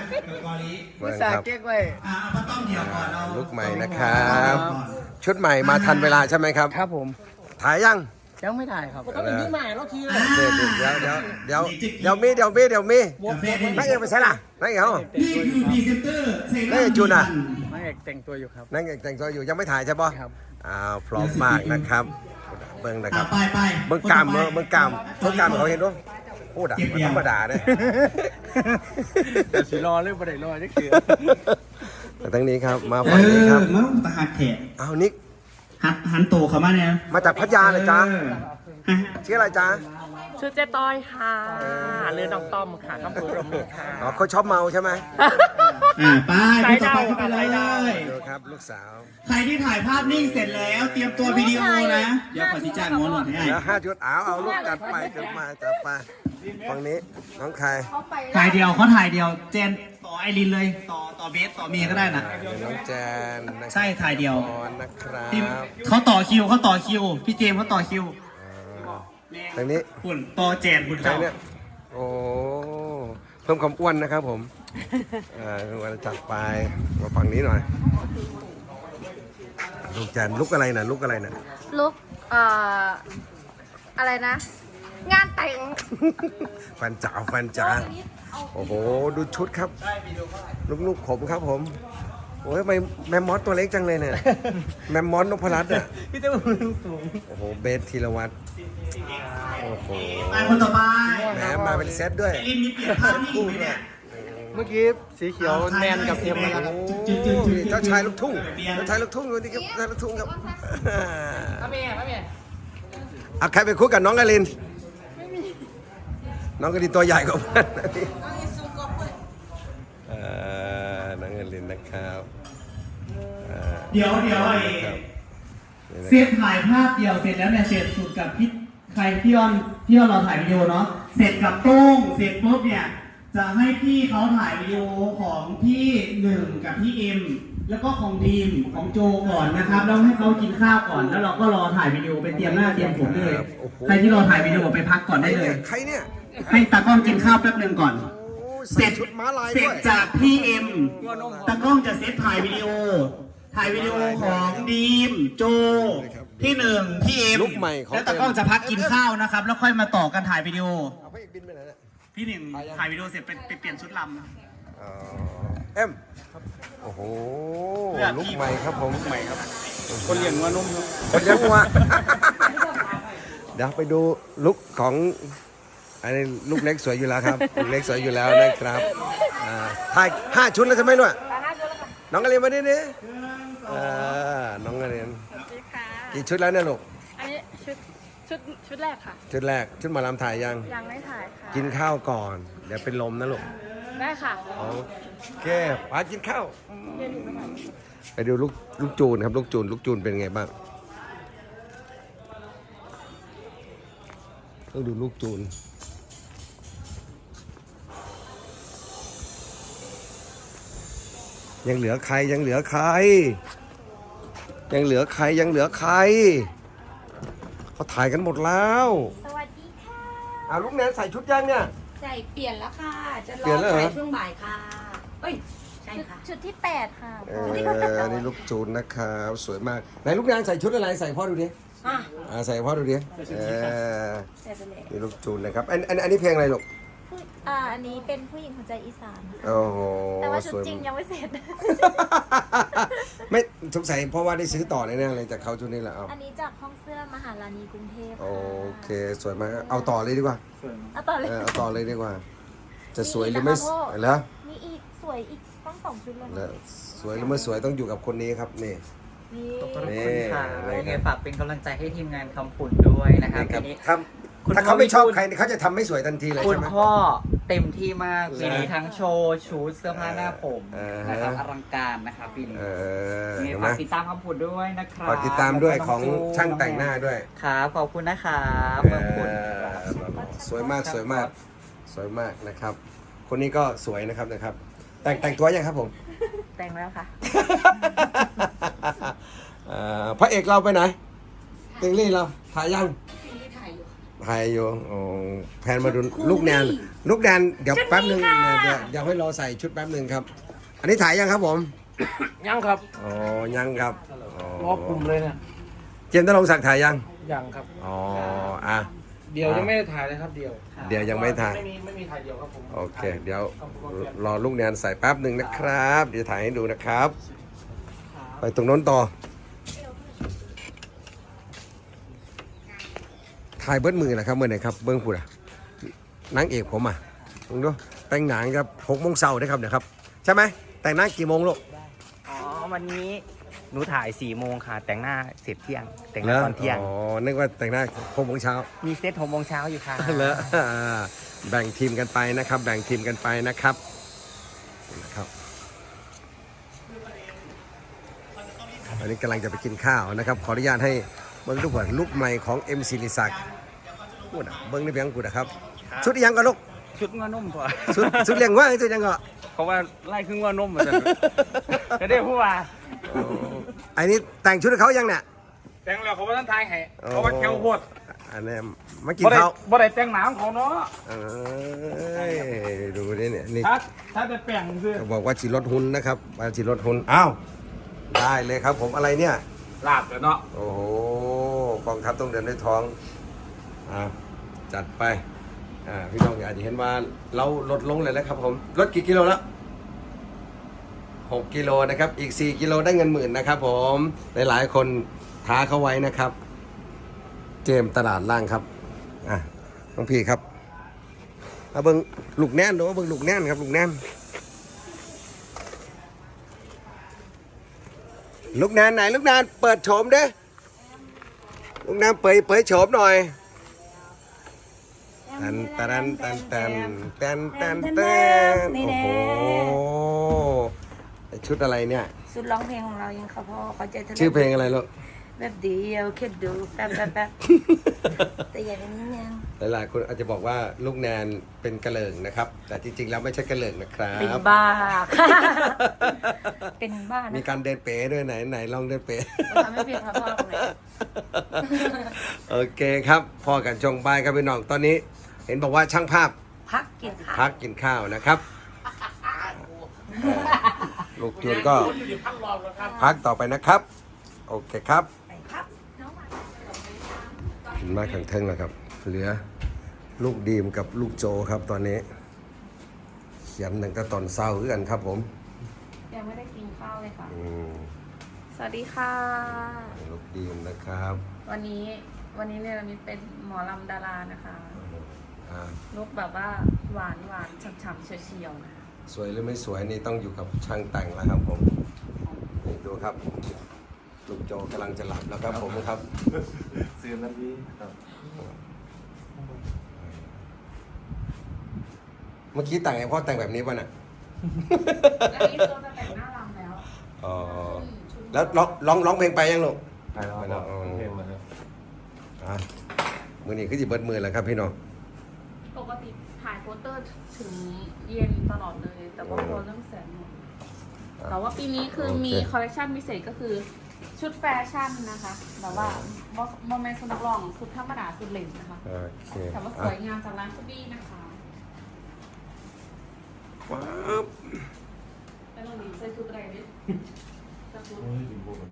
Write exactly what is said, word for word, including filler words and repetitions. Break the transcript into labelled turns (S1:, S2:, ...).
S1: กอลี
S2: ผู้สาเก๊กไว้
S1: อ่าเอาต้องเดี๋ยวก่อนเรา
S3: ลุกใหม่นะครับชุดใหม่มาทันเวลาใช่ไหมครับ
S2: ครับผม
S3: ถ่ายยัง
S2: ยังไม่ถ่ายครับ
S3: เดี๋ยวเดี๋ยวเดี๋ยวเดี๋ยวเดี๋ยวมีเดี๋ยวมีเดี๋ยวมีนักเอกไปใช่ล่ะนักเอกเขา
S1: นี่คือพรีเซนเตอร์เซรั่ม
S3: นักเอกจูนอ่ะ
S2: นักเอกแต่งตัวอยู่ครับ
S3: นักเอกแต่งตัวอยู่ยังไม่ถ่ายใช่ปะ
S2: ครับ
S3: อ้าวพร้อมมากนะครับเบิ้งนะค
S1: อ่า
S3: รับ
S1: ไปไป
S3: เบิ้งกามเบิ้งเบิ้งกามเบิ้งกามเขาเห็นด้วยพูดอ่ะมันธรรมดาเนี่ย
S2: แต่สีรอเรื่องประเดี๋ยวรอนี่คือ
S3: แต่ทั้งนี้ครับมา
S1: เอ
S3: ฝั่งนี้
S1: อ
S3: ครับ
S1: มันตะหักแขก
S3: อ้าวนิก
S1: หันหันโตเข้ามาเนี่ย
S3: มาจากพัทยาเลยจ้า
S1: เออ
S3: ชื่ออะไรจ้า
S4: ชื่อเจ๊ต้อยค่ะเรือน้องต้อมค่ะคำพูดรมค่ะ
S3: อ๋อเขาชอบเมาใช่ไหม
S1: อ่าไปไปต่อไปเข้าไปเลย
S3: ดูครับลูกสาว
S1: ใครที่ถ่ายภาพนิ่งเสร็จแล้ว เตรียมตัววิดีโอนะ เดี๋ยวขอที่จ้างงอนหน่อยให้
S3: เดี๋ยวห้าชุดเอาเอาลูกจัดไปจัดมาจัดไปฝั่งนี้น้องใคร
S1: ถ่ายเดียวเขาถ่ายเดียวเจนต่อไอรินเลย ต่อต่อเบสต่อเมียก็ได้นะ
S3: เดี๋ยวน้องแจนนะครับ
S1: ใช่ถ่ายเดียว
S3: ออนนะครับ
S1: ทีมเขาต่อคิวเขาต่อคิว พี่เจมส์เขาต่อคิว
S3: ทางนี้
S1: คุณต่อเจนคุณ
S3: ใคร
S1: เจ้า
S3: เนี่ยโอ้เพิ่มความอ้วนนะครับผมอ่าวันจัดไปมาฝั่งนี้หน่อยลูกแจนลุกอะไรน่ะลุกอะไรน่ะ
S4: ลุกเอ่ออะไรนะ งานแต่ง
S3: แฟนจ๋าแฟนจ๋าโอ้โหดูชุดครับลูกๆผมครับผมโอ้ยทำไมแมมมอสตัวเล็กจังเลยเนี่ยแมมมอสนพรัตน์อ่ะ
S2: พี่เต้มือสูง
S3: โอ้โหเบสธีรวัตรโอ้โห
S1: ไปคนต่อไป
S3: แหมมาเป็นเซตด้วย
S1: ไอรินมีเปลี่ยนภาพนิ่งไหมเนี่ย
S2: เมื่อกี้สีเขียวแมนกับเอ็มนะครับ
S3: โอ้เจ้าชายลูกทุ่งเจ้าชายลูกทุ่งดูดิครับเจ้าชายลูกทุ่งครับ
S2: มาเมียมาเมีย
S3: เอาใครไปคุยกับน้องกาลินน้องกาลินตัวใหญ่กว่าเพื่อนเอ่อน้องกาลินนะครับเอ่อ
S1: เดี๋ยวเดี๋ยวไอ้
S3: ครับนี่นะ
S1: เซตถ่ายภาพเดียวเสร็จแล้วเนี่ยเสร็จสุดกับพี่ใครพี่ออนพี่ออนเราถ่ายวิดีโอเนาะเสร็จกับโต้งเสร็จปุ๊บเนี่ยจะให้พี่เขาถ่ายวิดีโอของพี่หนึ่งกับพี่เอ็มแล้วก็ของดีมของโจก่อนนะครับแล้วให้เขากินข้าวก่อนแล้วเราก็รอถ่ายวิดีโอไปเตรียมหน้าเตรียมผมเลยใครที่รอถ่ายวิดีโอไปพักก่อนได้เลย
S3: ใครเนี่ย
S1: ให้ตากล้องกินข้าวแป๊บหนึ่งก่อน
S3: โอ้ย
S1: เส
S3: ใส่
S1: ร็จ
S3: ชุดม้าลาย
S1: เสร็
S3: ด้
S1: จ
S3: วย
S1: จากพี่เอ็มตากล้องจะเซตถ่ายวิดีโอ ถ่ายวิดีโอของดีมโจพี่หนึ่งพี่เอ็ม
S3: ลุคใหม่ของ
S1: แล้วตากล้องจะพักกินข้าวนะครับ แล้วค่อยมาต่อกันถ่ายวิดีโอ
S3: เอาพระเอกบินไปไหนเนี่ย
S1: พี่หนึ่งถ่ายวิดีโอเสร็จไปไปเปลี่ยนชุดล
S3: อ๋อเอ็มโอ้โหลุกใหม่ครับผมใหม่ครับ
S2: คนเลี้ยงวัวนม
S3: คนเลี้ยงวัว เดี๋ยวไปดูลุกของอันนี้ลูกเล็กสวยอยู่แล้วครับลูกเล็กสวยอยู่แล้วนะครับอ่าถ่ายห้าชุดแล้วใช่ไหมลูกน้องกระเรียนมาดิเนี่ยน้องกระเรียน
S4: สวัสดีค่ะ
S3: กี่ชุดแล้วเนี่ยลูก
S4: อันนี้ชุดชุดชุดแรกค่ะ
S3: ชุดแรกชุดหมอลำถ่ายยัง
S4: ยังไม่ถ่ายค่ะ
S3: กินข้าวก่อน เดี๋ยวเป็นลมนะลูก
S4: ได้ค่ะ
S3: โอเคไปกินข้าวไปดูลูกลูกจูนครับลูกจูนลูกจูนเป็นไงบ้างต้องดูลูกจูนยังเหลือใครยังเหลือใคร ยังเหลือใครยังเหลือใครเขาถ่ายกันหมดแล้ว
S5: สวัสดีค่ะ
S3: อ่าลูกแนนใส่ชุดยังเนี่ย
S5: ใส่เปลี่ยนแล้วค่ะ จะร
S3: เปลี่ย
S5: อน
S3: แล้วเหรอ
S5: ใส่ช่วงบ่ายค่ะ เอ้ย ใช่
S4: ชุด
S5: ค่ะ
S4: ชุดที่แปดค่ะ
S3: เอออันนี้ลูกจูนนะครับสวยมากไหนลูกแนนใส่ชุดอะไรใส่พ่อดูดิ
S5: อ่ะ
S3: อ่าใส่พ่อดูดิเออ
S5: ใส่ไปเลย
S3: นี่ลูกจูนนะครับอันอันอันนี้เพลงอะไรลูก
S4: ผู้อ่าอันนี้เป็นผู้หญิงหัวใจอีสานค่ะ
S3: โอ้โห
S4: แต่ว่าชุด
S3: สวย
S4: จริงยังไม่เสร็จ
S3: ไม่สงสัยเพราะว่าได้ซื้อต่อแน่ๆเลยจากเขาชุดนี้แหละเอา
S4: อันนี้จากห้องเสื้อมหาลานีกรุงเทพ
S3: โอ
S4: ค่ะ
S3: เคสวยมากเอาต่อเลยดีกว่า
S4: เอาต่อเลย
S3: เออเอาต่อเลยดีกว่า จะสวยหรือ
S4: มี
S3: ไม่
S4: อีกนะคะพ่อ
S3: แล้ว
S4: มีอีกสวยอีกตั้งสองชุดเลย
S3: แล้
S4: นะ
S3: วสวยหรือไม่สวยต้องอยู่กับคนนี้ครับนี่
S4: นี่
S2: ขอบคุณค่ะ
S3: นี่
S2: ยังไงฝากเป็นกำลังใจให้ทีมงานคำผุนด้วยนะครับ
S3: นี่ครับ
S2: ทีนี้
S3: ถ้า
S2: คุณ
S3: ถ้าเขาไม่ชอบ
S2: พ่อ
S3: ใครเขาจะทำไม่สวยทันทีเลย
S2: คุ
S3: ใช่
S2: ณ
S3: ไหม
S2: พ่อเต็มที่มาก
S3: เหรอ
S2: ปีนี้ทั้งโชว์ชุดเสื้อผ้าหน้าผม
S3: เออ
S2: นะครับอลังการนะครับปีนี้
S3: เออ
S2: ยังไง
S3: เห็นไหม
S2: ฝากติดตามคำผุนด้วยนะครับ
S3: ฝากติดตามด้วย
S2: แล้วก็
S3: ของ
S2: จู
S3: ช่างแต่งหน้าด้วย
S2: ครับขอบคุณนะครับ
S3: เอ
S2: คำผุน
S3: อสวยมากสวยมากสวยมากนะครับ คนนี้ก็สวยนะครับนะครับ แต่งแต่งตัวยังครับผม
S4: แต่งแล้วค่ะ
S3: เอ่อพระเอกเราไปไหนเต็งลี่เราถ่ายยังภัยอยู่โอ้แพนมาดูลูกแนนลูกแนนเดี๋ยวแป๊บหนึ่งเดี๋ยวเดี๋ยวให้รอใส่ชุดแป๊บหนึ่งครับ อันนี้ถ่ายยังครับผม
S2: ยังครับ
S3: อ๋อยังครับ
S2: รอบกลุ่มเลยเนี่ย
S3: เจมส์ตลงศักดิ์ถ่ายยัง
S2: ยังครับ
S3: อ๋ออ่ะ
S2: เดียวยังไม่ได้ถ่ายเลยครับเดียว
S3: เดี๋ยวยังไม่ถ่าย
S2: ไม่มีไม่มีถ่ายเดียวครับผม
S3: โอเค เดี๋ยวรอลูกแนนใส่แป๊บหนึ่งนะครับ เดี๋ยวถ่ายให้ดูนะครับ ไปตรงโน้นต่อ ถ่ายเบิ้ลมือนะครับเมื่อไหร่ครับ เบิ้งพูดอะนางเอกผมอ่ะลองดูแต่งหนังครับหกโมงเช้านะครับเนี่ยครับ ใช่ไหมแต่งหน้ากี่โมงลูก
S6: อ๋อ วันนี้หนูถ่ายสี่โมงค่ะ แต่งหน้าเสร็จเที่ยง แต่งหน้าตอนเที่ยง
S3: อ๋อ นึกว่าแต่งหน้าหกโมงเช้า
S6: มีเซตหกโมงเช้าอยู่ค่ะ
S3: เหรออ่าแบ่งทีมกันไปนะครับ แบ่งทีมกันไปนะครับนะครับอันนี้กำลังจะไปกินข้าวนะครับ ขออนุญาตให้เบิ้งทุกคนลูกใหม่ของเอ็มซีลิศักดิ์พูดอะเบิ้งในเพียงพูดนะครับชุดอีหยังก็ลูก
S6: ชุดงอนุ่มพอ
S3: ชุดชุดเลี้ยงว่าชุดยังก็
S6: เพราะว่าไล่ครึ่งงอนุ่มเหมือนกันก็ได้พูดว่า
S3: ไอ้นี่แต่งชุดให้เขายังเนี่ย
S2: แต่งแล้วเขาว่าท่านทายให้เขาว่าแควโพด
S3: อันนี้มากิน
S2: บ่ได้
S3: ข้าว
S2: บ่ได้แต่งหนาของเขาเนาะ
S3: เอ้ยดูนี่เนี่ยนี่
S2: ถ้าถ้าจะแปลงคือ
S3: เขาบอกว่าจีรถหุ่นนะครับว่าจีรถหุ่นอ้าวได้เลยครับผมอะไรเนี่ย
S2: ลาบแล้วเนาะ
S3: โอ้โหกองทัพต้องเดินด้วยท้องอ่าจัดไปอ่าพี่น้องอาจจะเห็นว่าเราลดลงเลยนะครับผมลดกี่กิโลแล้วหกกิโลนะครับอีกสี่กิโลได้เงินหมื่นนะครับผมหลายๆคนท้าเขาไว้นะครับ เจมส์ตลาดล่างครับอ่ะน้องพี่ครับเอาเบิ้งลูกแน่นดูว่าเบิ้งลูกแน่นครับลูกแน่นลูกแน่นไหนลูกแน่นเปิดโฉมเด้ลูกแน่นเปิดเผยโฉมหน่อยตันตันตันตันตันตันตันโอ้โหชุดอะไรเนี่ย
S5: สุดร้องเพลงของเรายังเขาพอเขาใจทะลุ
S3: ชื่อเพลงอะไรลูก
S5: แบบเดียวแค่ดูแป๊บแป๊บแป๊บแต่อย่างนี้ยัง
S3: หลายๆคนอาจจะบอกว่าลูกแนนเป็นกระเหลิงนะครับ แต่จริงๆแล้วไม่ใช่กระเหลิงนะครั
S5: เป็น
S3: บ
S5: บ้า เป็นบ้า
S3: มี
S5: นะ
S3: การเดินเป๋ด้วยไหนไหนลองเดินเป๋
S5: ทำให้เพียงพอพอตรงไหน
S3: โอเคครับพอกันชงบายครับพี่น้องตอนนี้ เห็นบอกว่าช่างภาพ
S5: พักกินข้าว
S3: พักกินข้าวนะครับลูกจูนก็พักต่อไปนะครับ โอเคครับ
S5: ไปครับ
S3: ขึ้นมาขังเทิงแล้วครับ เหลือลูกดีมกับลูกโจครับตอนนี้ เขียนหนึ่งแต่ตอนเศร้าคือกันครับผม
S4: ยังไม่ได้กินข้าวเลยค่ะ
S3: อืม
S4: สวัสดีค่ะ
S3: ลูกดีมนะครับ
S4: วันนี้วันนี้เนี่ยเรามีเป็นหมอลำดารานะคะ
S3: อ่า
S4: ลุกแบบว่าหวานหวานฉ่ำๆเฉียวๆนะคะ
S3: สวยหรือไม่สวยนี่ต้องอยู่กับช่างแต่งแล้วครับผมนี่ดูครับลูกโจกำลังจะหลับแล้วครับผมครับ
S2: ซื้อนาทีครับ
S3: เมื่อกี้แต่งไงพ่อแต่งแบบนี้ป่ะน่ะ
S4: อันนี้ตัวจะแต่งหน้ารำแล้ว
S3: อ๋อแล้วร้องร้องร้องเพลงไปยังลูก
S2: ไปแล้วครับเพลงมาครับ
S3: อ่ะมือนี้คือจิเบิดมือแล้วครับพี่น้อง
S4: ปกติถ่ายโปสเตอร์ถึงเย็นตลอดเลย แต่ว่าพอเรื่องแสงหมดแต่ว่าปีนี้คือมีคอลเลคชันพิเศษก็คือชุดแฟชั่นนะคะแบบว่าโมเมนต์สุดนักร้องสุดธรรมดาสุดเหลนนะคะ
S3: โอเค
S4: แต่ว่าสวยงามจากร้านชุบี้นะคะ
S3: ว้าว
S4: แล้วเราดีใส่ชุดอะไรดิ